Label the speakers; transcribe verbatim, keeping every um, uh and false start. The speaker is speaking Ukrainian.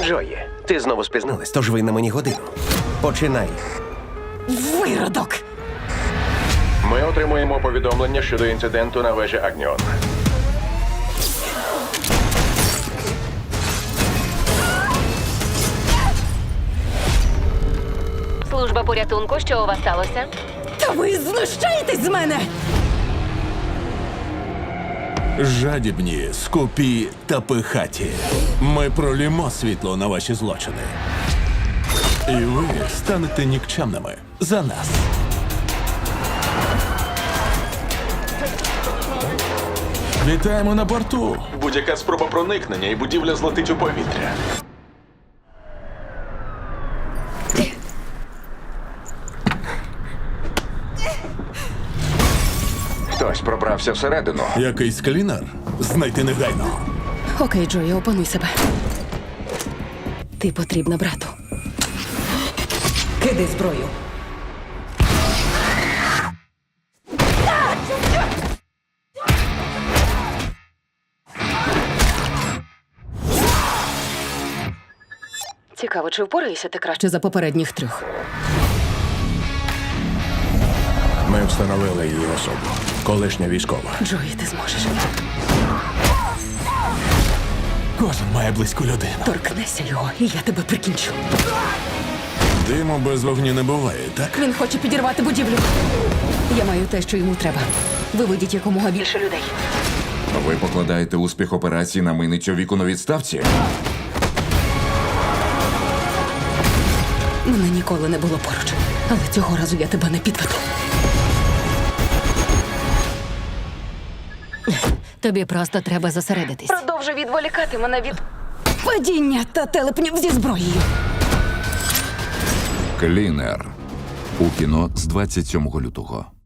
Speaker 1: Джої, ти знову спізнилась, тож ви на мені годину. Починай.
Speaker 2: Виродок!
Speaker 3: Ми отримуємо повідомлення щодо інциденту на вежі Агніон.
Speaker 4: Служба порятунку, що у вас сталося?
Speaker 2: Та ви знущаєтесь з мене!
Speaker 5: Жадібні, скупі та пихаті. Ми пролімо світло на ваші злочини. І ви станете нікчемними за нас. Вітаємо на борту.
Speaker 6: Будь-яка спроба проникнення і будівля злетить у повітря.
Speaker 3: Хтось пробрався всередину.
Speaker 5: Якийсь клінер? Знайти негайно.
Speaker 2: Окей, Джої, опануй себе. Ти потрібна брату. Кидай зброю. Цікаво, чи впораєшся ти краще за попередніх трьох?
Speaker 1: Ми встановили її особу. Колишня військова.
Speaker 2: Джої, ти зможеш.
Speaker 5: Кожен має близьку людину.
Speaker 2: Торкнися його, і я тебе прикінчу.
Speaker 5: Диму без вогню не буває, так?
Speaker 2: Він хоче підірвати будівлю. Я маю те, що йому треба. Виведіть якомога більше людей.
Speaker 7: Ви покладаєте успіх операції на миницю віку на відставці?
Speaker 2: Мене ніколи не було поруч. Але цього разу я тебе не підведу.
Speaker 4: Тобі просто треба зосередитись.
Speaker 2: Продовжуй відволікати мене від падіння та телепнів зі зброєю.
Speaker 7: Клінер. У кіно з двадцять сьомого лютого.